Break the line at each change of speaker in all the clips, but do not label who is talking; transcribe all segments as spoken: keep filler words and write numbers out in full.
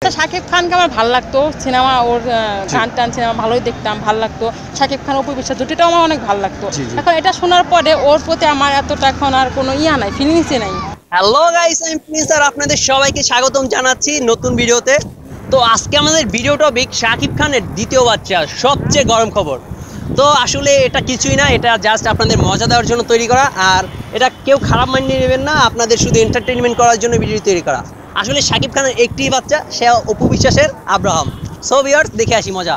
শাকিব খানকে আমার ভালো লাগতো, সিনেমা ওর গান টান সিনেমা ভালোই দেখতাম, ভালো লাগতো। শাকিব খান অপু বিশ্বাস জুটিটাও আমার অনেক ভালো লাগতো। এখন এটা শোনার পরে ওর প্রতি আমার এতটা এখন আর কোনো ইয়া নাই, ফিলিংসই নাই।
হ্যালো গাইস, আমি প্রিন্স আর আপনাদের সবাইকে স্বাগতম জানাচ্ছি নতুন ভিডিওতে। তো আজকে আমাদের ভিডিও টপিক শাকিব খানের দ্বিতীয় বাচ্চা, সবচেয়ে গরম খবর। তো আসলে এটা কিছুই না, এটা জাস্ট আপনাদের মজা দেওয়ার জন্য তৈরি করা, আর এটা কেউ খারাপ মানিয়ে নেবেন না, আপনাদের শুধু এন্টারটেইনমেন্ট করার জন্য ভিডিও তৈরি করা। আসলে শাকিব খানের একটি বাচ্চা, সে অপু বিশ্বাসের আব্রাহাম। সো ভিউয়ার্স, দেখে আসি মজা।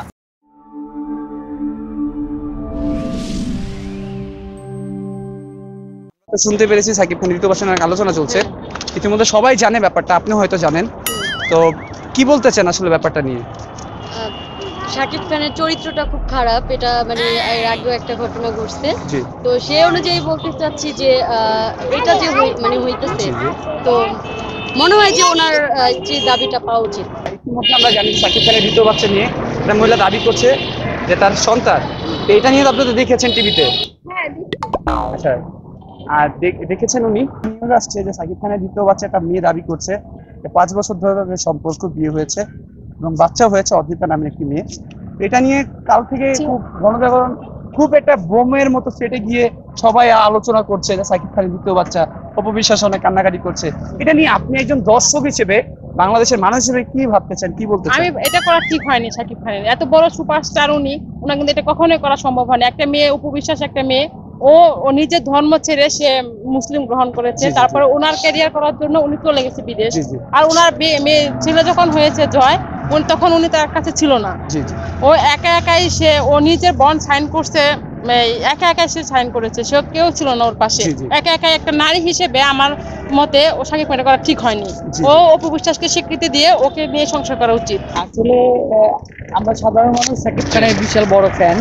শুনতে পেরেছি শাকিব খান দ্বিতীয় বাচ্চা নিয়ে আলোচনা চলছে, ইতিমধ্যে সবাই জানে ব্যাপারটা, আপনি হয়তো জানেন। তো কি বলতে চান আসলে ব্যাপারটা নিয়ে?
শাকিব খানের চরিত্রটা খুব খারাপ, এটা মানে এর আগেও একটা ঘটনা ঘটছে। তো সেই অনুযায়ী বলতে চাচ্ছি যে এটা যে মানে হইতেছে, তো মনে হয় যে ওনার স্ত্রীর দাবিটা পাওয়া উচিত।
ইতিমধ্যে আমরা জানি শাকিব খানের দ্বিতীয় বাচ্চা নিয়ে একটা মহিলা দাবি করছে যে তার সন্তান, তো এটা নিয়ে আপনি তো দেখেছেন টিভিতে। আচ্ছা, আর দেখেছেন উনি নিউজ আসছে যে শাকিব খানের দ্বিতীয় বাচ্চা একটা মেয়ে দাবি করছে, পাঁচ বছর ধরে তাদের সম্পর্ক, বিয়ে হয়েছে এবং বাচ্চা হয়েছে, অর্পিতা নামের একটি মেয়ে। এটা নিয়ে কাল থেকে খুব গণজাগরণ, খুব একটা বোমের মতো ফেটে গিয়ে সবাই আলোচনা করছে যে শাকিব খানের দ্বিতীয় বাচ্চা, অপু বিশ্বাস অনেক কান্নাকাটি করছে। এটা নিয়ে আপনি একজন দর্শক হিসেবে, বাংলাদেশের মানুষ হিসেবে কি ভাবতেছেন, কি বলতে চান?
আমি এটা করা ঠিক হয়নি শাকিব খানের, এত বড় সুপারস্টার উনি, ওনার কিন্তু এটা কখনোই করা সম্ভব হয়নি। একটা মেয়ে, অপু বিশ্বাস একটা মেয়ে, ও ও নিজের ধর্ম ছেড়ে সে মুসলিম গ্রহণ করেছে, তারপরে ওনার ক্যারিয়ার করার জন্য উনি চলে গেছে বিদেশ। আর ওনার মেয়ে ছেলে যখন হয়েছে জয়, উনি তখন উনি তার কাছে ছিল না, ও একা একাই সে ও নিজের বন্ড সাইন করছে, একা একাই সে সাইন করেছে, সে কেউ ছিল না ওর পাশে। একা একাই একটা নারী হিসেবে আমার মতে ও শাকিব খানের করা ঠিক হয়নি। ও অপু বিশ্বাসকে স্বীকৃতি দিয়ে ওকে নিয়ে সংসার করা উচিত।
আসলে আমরা সাধারণ মানুষ শাকিব খানের বিশাল বড় ফ্যান,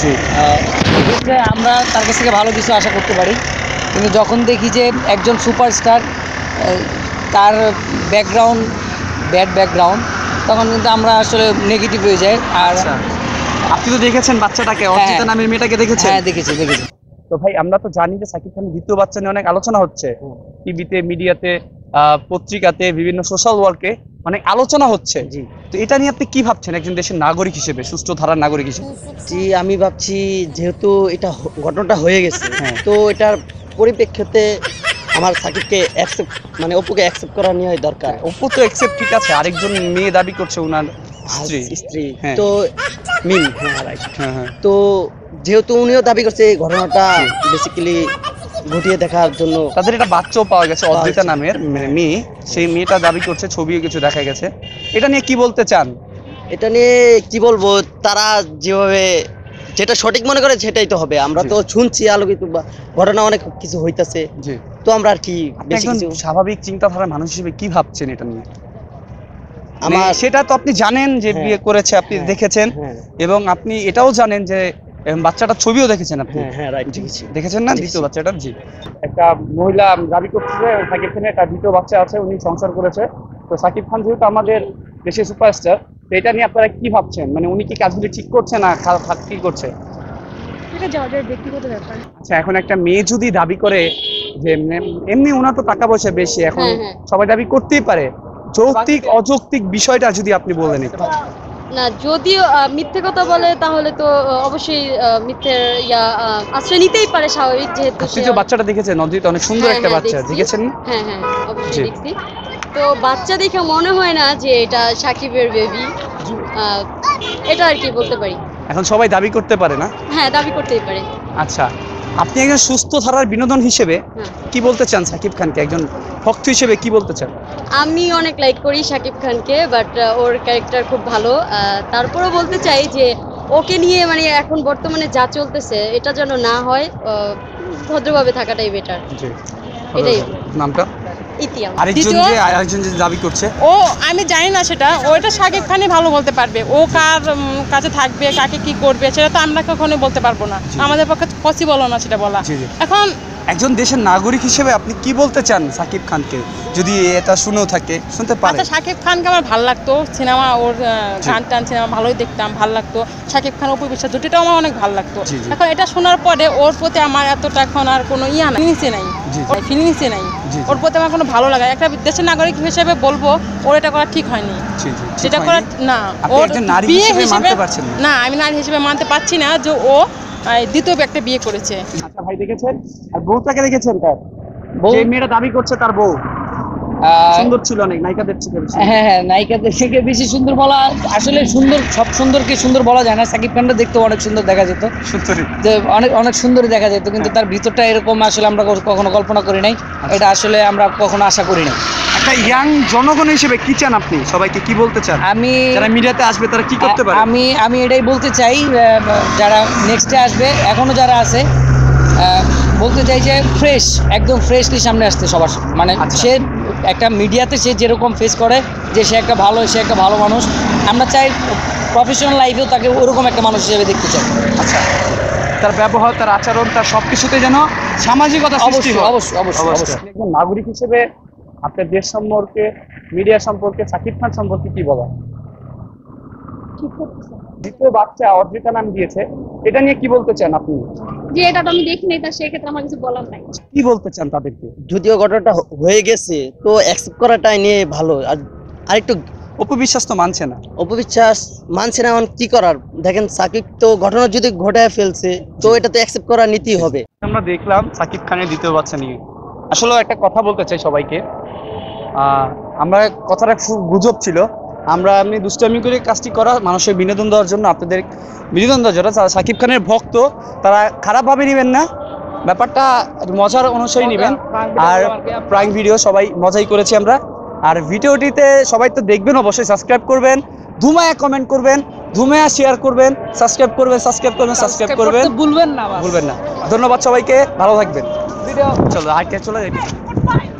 আমরা তার কাছ থেকে ভালো কিছু আশা করতে পারি, কিন্তু যখন দেখি যে একজন সুপারস্টার, তার ব্যাকগ্রাউন্ড ব্যাড ব্যাকগ্রাউন্ড, তখন কিন্তু আমরা আসলে নেগেটিভ হয়ে যাই। আর
আপনি তো দেখেছেন বাচ্চাটাকে, অর্পিতা নামের মেয়েটাকে দেখেছেন?
হ্যাঁ, দেখেছি দেখেছি
তো ভাই, আমরা তো জানি যে শাকিব খানের দ্বিতীয় বাচ্চা নিয়ে অনেক আলোচনা হচ্ছে, টিভিতে, মিডিয়াতে, পত্রিকাতে, বিভিন্ন সোশ্যাল ওয়ার্কে অনেক আলোচনা হচ্ছে। তো এটা নিয়ে আপনি কি ভাবছেন একজন দেশের নাগরিক হিসেবে, সুস্থ ধারার নাগরিক হিসেবে?
জি, আমি ভাবছি যেহেতু এটা ঘটনাটা হয়ে গেছে, তো এটার পরিপ্রেক্ষিতে আমার সাকিবকে অ্যাকসেপ্ট মানে অপুকে অ্যাকসেপ্ট করা নিয়ে দরকার।
অপু তো অ্যাকসেপ্ট, ঠিক আছে, আরেকজন মেয়ে দাবি করছে ওনার স্ত্রী
স্ত্রী তো মিম, হ্যাঁ রাইট। তো যেহেতু উনিও দাবি করছে, এই ঘটনাটা বেসিক্যালি ঘটিয়ে দেখার জন্য
তাদের একটা বাচ্চাও পাওয়া গেছে, অদ্রিতা নামের মেয়ে, সেই মেয়েটা দাবি করছে, ছবিও কিছু দেখা গেছে। এটা নিয়ে কি বলতে চান?
এটা নিয়ে কি বলবো, তারা যেভাবে যেটা সঠিক মনে করে সেটাই তো হবে। আমরা তো শুনছি আলোকিত ঘটনা অনেক কিছু হইতাছে, তো আমরা আর কি বেশি কিছু।
স্বাভাবিক চিন্তাধারার মানুষ হিসেবে কি ভাবছেন এটা নিয়ে? আমার সেটা তো আপনি জানেন যে বিয়ে করেছে, আপনি দেখেছেন, এবং আপনি এটাও জানেন যে বাচ্চাটার ছবিও দেখেছেন আপনি।
হ্যাঁ রাইট,
দেখেছেন না দ্বিতীয় বাচ্চাটার? জি, একটা মহিলা দাবি করছে শাকিব খানের একটা দ্বিতীয় বাচ্চা আছে, উনি সংসার করেছে। তো শাকিব খান যেহেতু আমাদের দেশের সুপারস্টার, তো এটা নিয়ে আপনারা কি ভাবছেন? মানে উনি কি কাজগুলি ঠিক করছে না কি করছে? আচ্ছা, এখন একটা মেয়ে যদি দাবি করে যে, এমনি ওনার তো টাকা পয়সা বেশি, এখন সবাই দাবি করতেই পারে, যৌক্তিক অযৌক্তিক বিষয়টা যদি আপনি বলেন।
না, যদিও মিথ্যে কথা বলে তাহলে তো অবশ্যই মিথ্যের ইয়া আশ্রয় নিতেই পারে, স্বাভাবিক। যেহেতু
আপনি যে বাচ্চাটা দেখেছেন, অদ্রিতা অনেক সুন্দর একটা বাচ্চা, দেখেছেন?
হ্যাঁ হ্যাঁ, অবশ্যই দেখছি। তো বাচ্চা দেখে মনে হয় না যে এটা শাকিবের বেবি, এটা আর কি বলতে পারি।
এখন সবাই দাবি করতে পারে না?
হ্যাঁ, দাবি করতেই পারে।
আচ্ছা, আপনি একজন সুস্থ ধারার বিনোদন হিসেবে কি বলতে চান শাকিব খানকে, একজন ভক্ত হিসেবে কি বলতে চান?
আমি অনেক লাইক করি শাকিব খানকে, বাট ওর ক্যারেক্টার খুব ভালো। তারপরেও বলতে চাই যে ওকে নিয়ে মানে এখন বর্তমানে যা চলতেছে, এটা যেন না হয়, ভদ্রভাবে থাকাটাই বেটার। এটাই।
নামটা?
ইতিয়াম।
আরেকজন যে আরেকজন যে দাবি করছে,
ও আমি জানি না সেটা, ওটা শাকিব খানই ভালো বলতে পারবে। ও কার কাছে থাকবে, কাকে কি করবে, সেটা তো আমরা কখনোই বলতে পারবো না, আমাদের পক্ষে পসিবলও না সেটা বলা। এখন
একজন দেশের নাগরিক হিসেবে আপনি কি বলতে চান সাকিব খানকে, যদি এটা শুনেও থাকে শুনতে পারে?
আচ্ছা, শাকিব খানকে আমার ভালো লাগতো, সিনেমা ওর আহ, গান টান সিনেমা ভালোই দেখতাম, ভালো লাগতো। শাকিব খান অপু বিশ্বাস জুটিটাও আমার অনেক ভালো লাগতো।
জি, জি।
এখন এটা শোনার পরে ওর প্রতি আমার এতটা এখন আর কোনো ইয়া নাই, ফিলিংসে নাই,
জি, জি।
ফিলিংসে নাই।
জি, জি।
ওর প্রতি আমার কোনো ভালো লাগে, একটা দেশের নাগরিক হিসেবে বলবো ওর এটা করা ঠিক হয়নি।
জি, জি, ঠিক
যেটা
হয়নি।
করা না,
আপনি
ওর
একজন নারী
বিয়ে
হিসেবে
হিসেবে
মানতে পারছেন না?
না, আমি নারী হিসেবে মানতে পারছি না যে ও আহ, দ্বিতীয় একটা বিয়ে করেছে।
আচ্ছা ভাই, দেখেছেন? আর বউটাকে দেখেছেন তার?
বউ?
যে মেয়েটা দাবি করছে তার বউ
আহ,
সুন্দর ছিল অনেক, নায়িকাদের থেকে বেশি।
হ্যাঁ হ্যাঁ, নায়িকাদের থেকে বেশি সুন্দর বলা আসলে সুন্দর, সব সুন্দরকে সুন্দর বলা যায় না। সাকিব খানটা দেখতে অনেক সুন্দর দেখা যেত,
সুন্দরী।
যে অনেক অনেক সুন্দর দেখা যেত, কিন্তু তার ভিতরটা এরকম আসলে আমরা কখনো কল্পনা করি নাই, এটা আসলে আমরা কখনো আশা করি নাই।
একটা ইয়াং জনগণ হিসেবে কি চান আপনি, সবাইকে কি বলতে চান?
আমি
যারা মিডিয়াতে আসবে তারা কি করতে পারে?
আমি আমি এটাই বলতে চাই, আহ, যারা নেক্সটে আসবে, এখনো যারা আছে, আহ, বলতে চাই যে ফ্রেশ, একদম ফ্রেশলি সামনে আসতে সবার, মানে
আচ্ছা।
সে একটা মিডিয়াতে সে যেরকম ফেস করে যে সে একটা ভালো, সে একটা ভালো মানুষ, আমরা চাই প্রফেশনাল লাইফেও তাকে ওরকম একটা মানুষ হিসেবে দেখতে চাই।
আচ্ছা, তার ব্যবহার, তার আচরণ, তার সবকিছুতে যেন সামাজিকতা সৃষ্টি
অবশ্যই
হয়।
অবশ্যই অবশ্যই
অবশ্যই।
অবশ্যই।
আপনি একজন নাগরিক হিসেবে আপনার দেশ সম্পর্কে, মিডিয়া সম্পর্কে, সাকিব খান সম্পর্কে কি বলা? দ্বিতীয় বাচ্চা অর্জিতা নাম দিয়েছে, এটা নিয়ে কি বলতে চান আপনি?
যে এটা তো আমি দেখিনি, তা সেক্ষেত্রে আমার কিছু বলার নাই।
কি বলতে চান তাদেরকে?
যদিও ঘটনাটা হ- হয়ে গেছে, তো অ্যাকসেপ্ট করাটাই নিয়ে ভালো। আর আরেকটু
অপবিশ্বাস তো মানছে না।
অপবিশ্বাস মানছে না, এখন কি করার? দেখেন, সাকিব তো ঘটনা যদি ঘটায় ফেলছে, তো এটা তো অ্যাকসেপ্ট করা নিতেই হবে।
আমরা দেখলাম সাকিব খানের দ্বিতীয় বাচ্চা নিয়ে। আসলে একটা কথা বলতে চাই সবাইকে, আহ, আমরা কথাটা খুব গুজব ছিল, আমরা এমনি দুষ্টামি করে কাজটি করা, মানুষের বিনোদন দেওয়ার জন্য, আপনাদের বিনোদন দেওয়ার জন্য। যারা সাকিব খানের ভক্ত তারা খারাপভাবে নেবেন না, ব্যাপারটা মজার অনুসারে নেবেন। আর প্রাইম ভিডিও সবাই মজাই করেছি আমরা। আর ভিডিওটিতে সবাই তো দেখবেন, অবশ্যই সাবস্ক্রাইব করবেন, ধুমায়া কমেন্ট করবেন, ধুমায়া শেয়ার করবেন, সাবস্ক্রাইব করবেন, সাবস্ক্রাইব করবেন, সাবস্ক্রাইব করবেন,
ভুলবেন না,
ভুলবেন না। ধন্যবাদ সবাইকে, ভালো থাকবেন। ভিডিও চলো, আজকে চলে যাই।